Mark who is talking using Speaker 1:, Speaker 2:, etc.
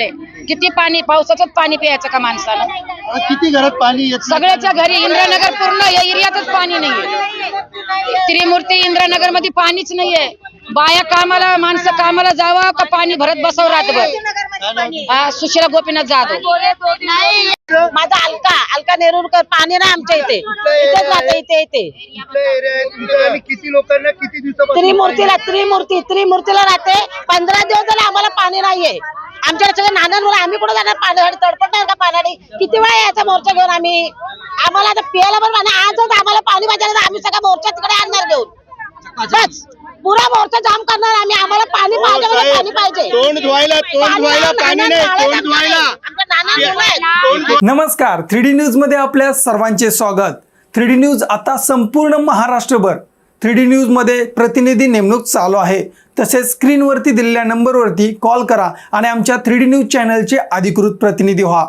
Speaker 1: झाले. किती पाणी, पावसाचं पाणी प्यायचं का माणसानं?
Speaker 2: किती घरात पाणी येत?
Speaker 1: सगळ्याच्या घरी. इंद्रानगर पूर्ण या एरियातच पाणी नाहीये. त्रिमूर्ती इंद्रानगर मध्ये पाणीच नाहीये. बाया कामाला, माणसं कामाला जावं का पाणी भरत बसावं रातभर. सुशीला गोपीनाथ जाधव.
Speaker 3: माझा अलका नेरुरकर. पाणी ना आमच्या इथे, इथेच राहते. इथे
Speaker 2: किती लोकांना किती दिवसापासून?
Speaker 3: त्रिमूर्तीला राहते. 15 दिवस झाले आम्हाला पाणी नाहीये. आमच्या सगळं नानांवर आम्ही कुठे जाणार? पाण्यासाठी तडपडणार का पाण्याने? किती वेळा याचा मोर्चा घेऊन आम्ही? आम्हाला आता पियाला पण पाणी, आजच आम्हाला पाणी पाहिजे तर आम्ही सगळा मोर्चा तिकडे आणणार घेऊन. बस पुरा मोर्चा जाम करणार आम्ही. आम्हाला पाणी पाहिजे, पाणी पाहिजे.
Speaker 2: तोंड धुवायला पाणी नाही. तोंड धुवायला.
Speaker 4: नमस्कार, 3D न्यूज मध्ये आपल्या सर्वांचे स्वागत. 3D न्यूज आता संपूर्ण महाराष्ट्रभर 3D न्यूज मध्ये प्रतिनिधी नेमणूक चालू आहे. तसेच स्क्रीनवरती दिलेल्या नंबरवरती कॉल करा आणि आमच्या 3D न्यूज चॅनलचे अधिकृत प्रतिनिधी व्हा.